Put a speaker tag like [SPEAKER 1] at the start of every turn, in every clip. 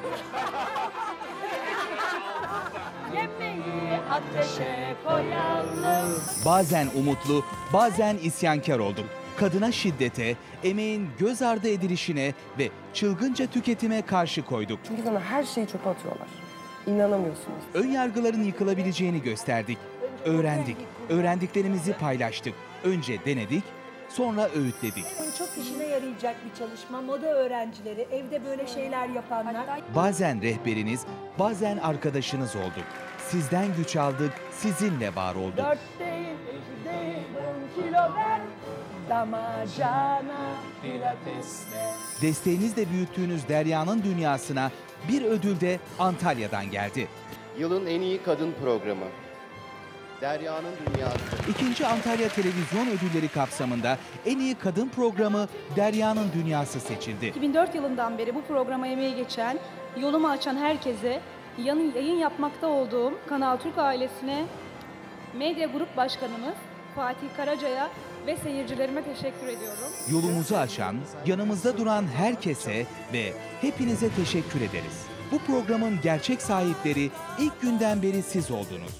[SPEAKER 1] Yemeği ateşe koyalım.
[SPEAKER 2] Bazen umutlu, bazen isyankar olduk. Kadına şiddete, emeğin göz ardı edilişine ve çılgınca tüketime karşı koyduk.
[SPEAKER 3] Çünkü sana her şeyi çöpe atıyorlar. İnanamıyorsunuz.
[SPEAKER 2] Önyargıların yıkılabileceğini gösterdik. Öğrendik. Öğrendiklerimizi paylaştık. Önce denedik, sonra öğütledik.
[SPEAKER 1] Çok işine yarayacak bir çalışma. Moda öğrencileri, evde böyle şeyler yapanlar.
[SPEAKER 2] Bazen rehberiniz, bazen arkadaşınız olduk. Sizden güç aldık, sizinle var olduk.
[SPEAKER 1] 4 değil, 5 değil, 10 kilo ver. Damacana pilatesle.
[SPEAKER 2] Desteğinizle büyüttüğünüz Derya'nın dünyasına bir ödül de Antalya'dan geldi.
[SPEAKER 4] Yılın en iyi kadın programı. Derya'nın Dünyası.
[SPEAKER 2] 2. Antalya Televizyon Ödülleri kapsamında en iyi kadın programı Derya'nın Dünyası seçildi.
[SPEAKER 5] 2004 yılından beri bu programa emeği geçen, yolumu açan herkese, yayın yapmakta olduğum Kanal Türk ailesine, Medya Grup Başkanımız Fatih Karaca'ya ve seyircilerime teşekkür ediyorum.
[SPEAKER 2] Yolumuzu açan, yanımızda duran herkese ve hepinize teşekkür ederiz. Bu programın gerçek sahipleri ilk günden beri siz oldunuz.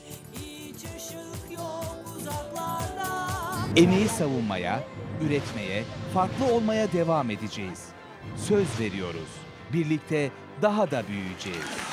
[SPEAKER 2] Emeği savunmaya, üretmeye, farklı olmaya devam edeceğiz. Söz veriyoruz. Birlikte daha da büyüyeceğiz.